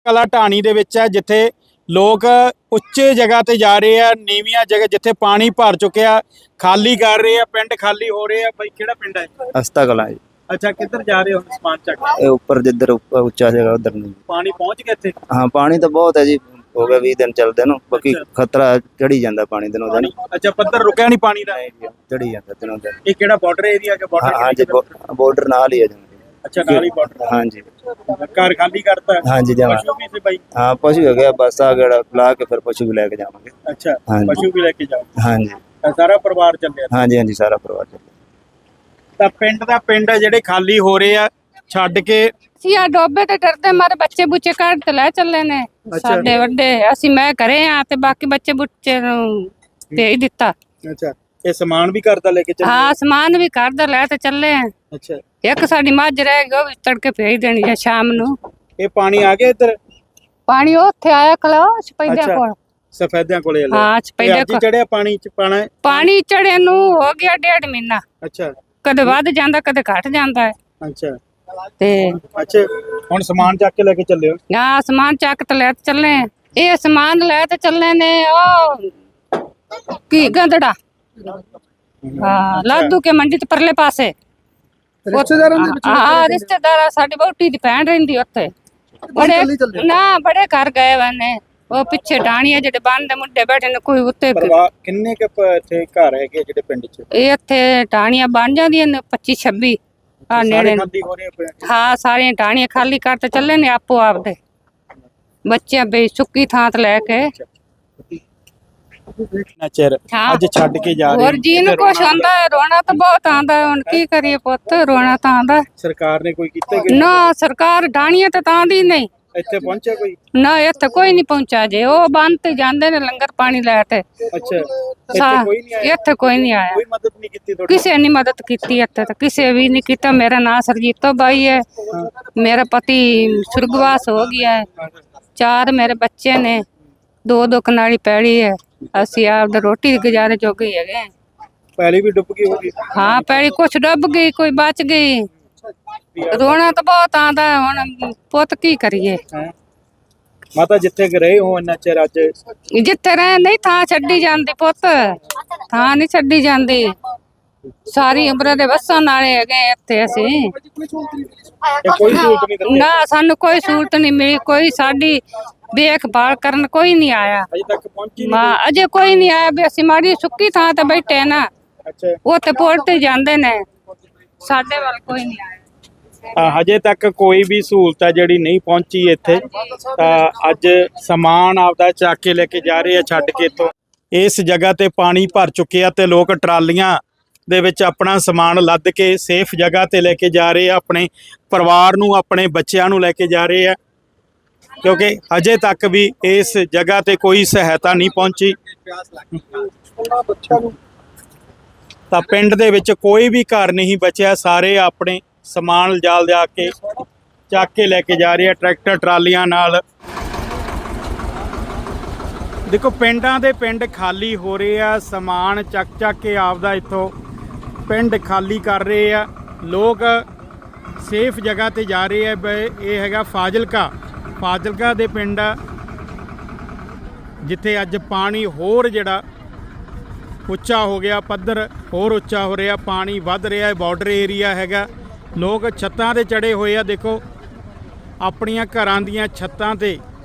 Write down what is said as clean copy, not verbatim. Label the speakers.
Speaker 1: ਕਲਾ ਢਾਣੀ ਦੇ ਵਿੱਚ ਹੈ, ਜਿੱਥੇ ਲੋਕ ਉੱਚੇ ਜਗ੍ਹਾ ਤੇ ਜਾ ਰਹੇ ਆ, ਨੀਵੀਆਂ ਜਗ੍ਹਾ ਜਿੱਥੇ ਪਾਣੀ ਭਰ ਚੁੱਕਿਆ ਖਾਲੀ ਕਰ ਰਹੇ ਆ, ਪਿੰਡ ਖਾਲੀ ਹੋ ਰਹੇ ਆ। ਬਾਈ ਕਿਹੜਾ ਪਿੰਡ ਹੈ?
Speaker 2: ਅਸਤਾ ਕਲਾਂ ਜੀ।
Speaker 1: ਅੱਛਾ, ਕਿੱਧਰ ਜਾ ਰਹੇ ਹੋ ਸਮਾਨ ਚੱਕ?
Speaker 2: ਇਹ ਉੱਪਰ ਜਿੱਧਰ ਉੱਚਾ ਜਗ੍ਹਾ ਉਧਰ ਨਹੀਂ।
Speaker 1: ਪਾਣੀ ਪਹੁੰਚ ਗਿਆ ਇੱਥੇ?
Speaker 2: ਹਾਂ, ਪਾਣੀ ਤਾਂ ਬਹੁਤ ਹੈ ਜੀ, ਹੋ ਗਿਆ 20 ਦਿਨ ਚੱਲਦੇ ਨੂੰ, ਬਾਕੀ ਖਤਰਾ ਚੜੀ ਜਾਂਦਾ ਪਾਣੀ ਦਿਨੋਂ ਦਿਨ।
Speaker 1: ਅੱਛਾ, ਪੱਧਰ ਰੁਕਿਆ ਨਹੀਂ ਪਾਣੀ ਦਾ?
Speaker 2: ਚੜੀ ਜਾਂਦਾ ਦਿਨੋਂ ਦਿਨ।
Speaker 1: ਇਹ ਕਿਹੜਾ ਬਾਰਡਰ ਏਰੀਆ ਹੈ?
Speaker 2: ਹਾਂ ਜੀ, ਬਾਰਡਰ ਨਾਲ ਹੀ ਹੈ ਜੀ।
Speaker 1: ਅੱਛਾ, ਨਾਲ ਹੀ ਬਾਰਡਰ।
Speaker 2: ਹਾਂ ਜੀ।
Speaker 1: ਘਰ ਖਾਲੀ ਕਰਤਾ?
Speaker 2: ਹਾਂ ਜੀ, ਜਮਾ।
Speaker 1: ਪਸ਼ੂ ਵੀ ਸੀ ਬਾਈ?
Speaker 2: ਹਾਂ, ਪਸ਼ੂ ਹੋ ਗਿਆ, ਬਸ ਆ ਗੜਾ ਲਾ ਕੇ ਫਿਰ ਪਸ਼ੂ ਵੀ ਲੈ ਕੇ ਜਾਵਾਂਗੇ।
Speaker 1: ਅੱਛਾ, ਪਸ਼ੂ ਵੀ ਲੈ ਕੇ ਜਾਓ?
Speaker 2: ਹਾਂ ਜੀ।
Speaker 1: ਸਾਰਾ ਪਰਿਵਾਰ ਚੱਲਿਆ?
Speaker 2: ਹਾਂ ਜੀ, ਹਾਂ ਜੀ, ਸਾਰਾ ਪਰਿਵਾਰ ਚੱਲਿਆ।
Speaker 1: ਤਾਂ ਪਿੰਡ ਜਿਹੜੇ ਖਾਲੀ ਹੋ ਰਹੇ ਆ ਛੱਡ ਕੇ।
Speaker 3: ਅਸੀਂ ਆ ਡੋਬੇ ਤੇ ਡਰਦੇ ਮਾਰੇ ਬੱਚੇ ਬੁੱਚੇ ਕੱਢ ਤੇ ਲੈ ਚੱਲੇ ਨੇ ਸਾਡੇ ਵੱਡੇ। ਅਸੀਂ ਮੈਂ ਘਰੇ ਆ ਤੇ ਬਾਕੀ ਬੱਚੇ ਬੁੱਚੇ ਨੂੰ ਭੇਜ ਦਿੱਤਾ।
Speaker 1: ਅੱਛਾ, ਇਹ ਸਮਾਨ ਵੀ ਘਰ ਦਾ ਲੈ ਕੇ ਚੱਲੇ?
Speaker 3: ਹਾਂ, ਸਮਾਨ ਵੀ ਘਰ ਦਾ ਲੈ ਤੇ ਚੱਲੇ ਆ।
Speaker 1: ਅੱਛਾ,
Speaker 3: ਇੱਕ ਸਾਡੀ ਮੱਝ ਰਹਿ ਗਈ, ਉਹ ਵੀ ਤੜਕੇ ਭੇਜ ਦੇਣੀ ਹੈ ਸ਼ਾਮ ਨੂੰ।
Speaker 1: ਇਹ ਪਾਣੀ ਆ ਗਿਆ ਇੱਧਰ?
Speaker 3: ਪਾਣੀ ਉੱਥੇ ਆਇਆ ਕਲਾ ਸਪੈਦਿਆਂ ਕੋਲ।
Speaker 1: ਸਫੈਦਿਆਂ ਕੋਲੇ?
Speaker 3: ਹਾਂ, ਸਪੈਦਿਆਂ ਕੋਲ
Speaker 1: ਚੜਿਆ ਪਾਣੀ ਚ ਪਾਣਾ?
Speaker 3: ਪਾਣੀ ਚੜੇ ਨੂੰ ਹੋ ਗਿਆ 1.5 ਮਹੀਨਾ।
Speaker 1: ਅੱਛਾ,
Speaker 3: ਕਦੇ ਵੱਧ ਜਾਂਦਾ ਕਦੇ ਘਟ ਜਾਂਦਾ ਹੈ।
Speaker 1: ਅੱਛਾ
Speaker 3: ਤੇ
Speaker 1: ਅੱਛਾ, ਹੁਣ ਸਮਾਨ ਚੱਕ ਕੇ ਲੈ ਕੇ ਚੱਲੇ ਹੋ?
Speaker 3: ਹਾਂ, ਸਮਾਨ ਚੱਕ ਤੇ ਲੈ ਚੱਲੇ। ਇਹ ਸਮਾਨ ਲੈ ਤੇ ਚੱਲੇ ਨੇ ਉਹ ਕੀ ਗੰਦੜਾ। ਹਾਂ, ਲਾਦੂ ਕੇ ਮੰਡੀ ਤੇ ਪਰਲੇ ਪਾਸੇ ਰਿਸ਼ਤੇਦਾਰ ਸਾਡੀ ਵਹੁਟੀ ਦੀ ਭੈਣ ਰਹਿੰਦੀ ਉੱਥੇ। ਬੜੇ ਘਰ ਗਏ ਨੇ ਉਹ ਪਿੱਛੇ ਢਾਣੀਆਂ ਜਿਹੜੇ ਬੰਦ ਮੁੰਡੇ ਬੈਠੇ ਨੇ, ਕੋਈ ਉੱਤੇ।
Speaker 1: ਕਿੰਨੇ ਕੁ ਇੱਥੇ ਘਰ ਹੈਗੇ ਜਿਹੜੇ ਪਿੰਡ ਚ?
Speaker 3: ਇਹ ਇੱਥੇ ਢਾਣੀਆਂ ਬਣ ਜਾਂਦੀਆਂ ਨੇ 25-26 ਆ ਨੇੜੇ। ਹਾਂ, ਸਾਰੀਆਂ ਢਾਣੀਆਂ ਖਾਲੀ ਕਰ ਤੇ ਚੱਲੇ ਨੇ ਆਪੋ ਆਪਦੇ ਬੱਚਿਆਂ ਬਈ ਸੁੱਕੀ ਥਾਂ ਤੇ ਲੈ ਕੇ।
Speaker 1: ਅੱਜ ਛੱਡ ਕੇ ਜਾ ਰਹੇ।
Speaker 3: ਹੋਰ ਜੀ ਨੂੰ ਕੁਛ ਆਂਦਾ, ਰੋਣਾ ਤਾਂ ਬਹੁਤ ਆਂਦਾ। ਹੁਣ ਕੀ ਕਰੀਏ ਪੁੱਤ, ਰੋਣਾ ਤਾਂ ਆਂਦਾ।
Speaker 1: ਸਰਕਾਰ ਨੇ ਕੋਈ ਕੀਤਾ?
Speaker 3: ਨਾ, ਸਰਕਾਰ ਢਾਣੀਆਂ ਤੇ ਤਾਂ ਦੀ ਨਹੀਂ।
Speaker 1: ਇੱਥੇ ਪਹੁੰਚਿਆ ਕੋਈ?
Speaker 3: ਨਾ, ਇੱਥੇ ਕੋਈ ਨਹੀਂ ਪਹੁੰਚਾ ਜੇ। ਉਹ ਬੰਦ ਤੇ ਜਾਂਦੇ ਨੇ ਲੰਗਰ ਪਾਣੀ ਲੈ ਕੇ।
Speaker 1: ਅੱਛਾ,
Speaker 3: ਇੱਥੇ ਕੋਈ ਨਹੀਂ ਆਇਆ।
Speaker 1: ਕੋਈ ਮਦਦ ਨਹੀਂ ਕੀਤੀ ਤੁਹਾਡੀ?
Speaker 3: ਕਿਸੇ ਨੇ ਮਦਦ ਕੀਤੀ ਇੱਥੇ ਤਾਂ ਕਿਸੇ ਵੀ ਨਹੀਂ ਕੀਤਾ। ਮੇਰਾ ਨਾਂ ਸਰਜੀਤੋ ਬਾਈ ਹੈ। ਮੇਰਾ ਪਤੀ ਸੁਰਗਵਾਸ ਹੋ ਗਿਆ ਹੈ। 4 ਮੇਰੇ ਬੱਚੇ ਨੇ, 2 ਕਨਾਲੀ ਪੈੜੀ ਹੈ। ਅਸੀਂ ਆਪਦਾ ਰੋਟੀ ਗੁਜ਼ਾਰੇ ਜੋਗੇ ਹੈਗੇ।
Speaker 1: ਪੈਲੀ ਵੀ ਡੁੱਬ ਗਈ ਹੋਗੀ?
Speaker 3: ਹਾਂ, ਪੈੜੀ ਕੁਛ ਡੁੱਬ ਗਈ, ਕੋਈ ਬਚ ਗਈ। ਰੋਣਾ ਤਾਂ ਬਹੁਤ ਆਂਦਾ। ਹੁਣ ਪੁੱਤ ਕੀ ਕਰੀਏ।
Speaker 1: ਮਾਤਾ ਜਿੱਥੇ ਰਹੇ ਹੋ ਇੰਨਾ ਚਿਰ, ਅੱਜ
Speaker 3: ਜਿੱਥੇ ਰਹੇ ਨਹੀਂ ਥਾਂ ਛੱਡੀ ਜਾਂਦੀ ਪੁੱਤ, ਥਾਂ ਨਹੀਂ ਛੱਡੀ ਜਾਂਦੀ। ਸਾਰੀ ਉਮਰ ਦੇ ਵਸਾਂ ਨਾਲੇ ਹੈਗੇ ਇੱਥੇ ਅਸੀਂ।
Speaker 1: ਕੋਈ ਸਹੂਲਤ ਨਹੀਂ?
Speaker 3: ਨਾ, ਸਾਨੂੰ ਕੋਈ ਸਹੂਲਤ ਨਹੀਂ ਮਿਲੀ। ਕੋਈ ਸਾਡੀ ਦੇਖਭਾਲ ਕਰਨ ਕੋਈ ਨਹੀਂ ਆਇਆ
Speaker 1: ਅਜੇ ਤੱਕ ਪਹੁੰਚੀ ਨਹੀਂ?
Speaker 3: ਅਜੇ ਕੋਈ ਨਹੀਂ ਆਇਆ ਵੀ ਅਸੀਂ ਮਾੜੀ ਸੁੱਕੀ ਥਾਂ ਤੇ ਬੈਠੇ ਨਾ।
Speaker 1: ਅੱਛਾ,
Speaker 3: ਉੱਥੇ ਪੁੱਲ ਤੇ ਜਾਂਦੇ ਨੇ, ਸਾਡੇ ਵੱਲ ਕੋਈ ਨਹੀਂ ਆਇਆ।
Speaker 1: ਹਜੇ ਤੱਕ ਕੋਈ ਵੀ ਸਹੂਲਤ ਹੈ ਜਿਹੜੀ ਨਹੀਂ ਪਹੁੰਚੀ ਇੱਥੇ। ਤਾਂ ਅੱਜ ਸਮਾਨ ਆਪਦਾ ਚੱਕ ਕੇ ਲੈ ਕੇ ਜਾ ਰਹੇ ਆ ਛੱਡ ਕੇ। ਇੱਥੋਂ ਇਸ ਜਗ੍ਹਾ ਤੇ ਪਾਣੀ ਭਰ ਚੁੱਕਿਆ ਤੇ ਲੋਕ ਟਰਾਲੀਆਂ ਦੇ ਵਿੱਚ ਆਪਣਾ ਸਮਾਨ ਲੱਦ ਕੇ ਸੇਫ ਜਗ੍ਹਾ ਤੇ ਲੈ ਕੇ ਜਾ ਰਹੇ ਆ। ਆਪਣੇ ਪਰਿਵਾਰ ਨੂੰ, ਆਪਣੇ ਬੱਚਿਆਂ ਨੂੰ ਲੈ ਕੇ ਜਾ ਰਹੇ ਆ, ਕਿਉਂਕਿ ਹਜੇ ਤੱਕ ਵੀ ਇਸ ਜਗ੍ਹਾ ਤੇ ਕੋਈ ਸਹਾਇਤਾ ਨਹੀਂ ਪਹੁੰਚੀ। ਤਾਂ ਪਿੰਡ ਦੇ ਵਿੱਚ ਕੋਈ ਵੀ ਘਰ ਨਹੀਂ ਬਚਿਆ। ਸਾਰੇ ਆਪਣੇ ਸਮਾਨ ਲਿਜਾ ਕੇ ਚੱਕ ਕੇ ਲੈ ਕੇ ਜਾ ਰਹੇ ਆ ਟਰੈਕਟਰ ਟਰਾਲੀਆਂ ਨਾਲ। ਦੇਖੋ, ਪਿੰਡਾਂ ਦੇ ਪਿੰਡ ਖਾਲੀ ਹੋ ਰਹੇ ਆ। ਸਮਾਨ ਚੱਕ ਕੇ ਆਪਦਾ ਇੱਥੋਂ ਪਿੰਡ ਖਾਲੀ ਕਰ ਰਹੇ ਆ ਲੋਕ। ਸੇਫ ਜਗ੍ਹਾ ਤੇ ਜਾ ਰਹੇ ਆ। ਇਹ ਹੈਗਾ ਫਾਜ਼ਿਲਕਾ ਦੇ ਪਿੰਡ ਆ, ਜਿੱਥੇ ਅੱਜ ਪਾਣੀ ਹੋਰ ਜਿਹੜਾ ਉੱਚਾ ਹੋ ਗਿਆ, ਪੱਧਰ ਹੋਰ ਉੱਚਾ ਹੋ ਰਿਹਾ, ਪਾਣੀ ਵੱਧ ਰਿਹਾ। ਬਾਰਡਰ ਏਰੀਆ ਹੈਗਾ। ਲੋਕ ਛੱਤਾਂ ਤੇ ਚੜੇ ਹੋਏ ਆ। ਦੇਖੋ, ਆਪਣੀਆਂ ਘਰਾਂ ਦੀਆਂ ਛੱਤਾਂ ਤੇ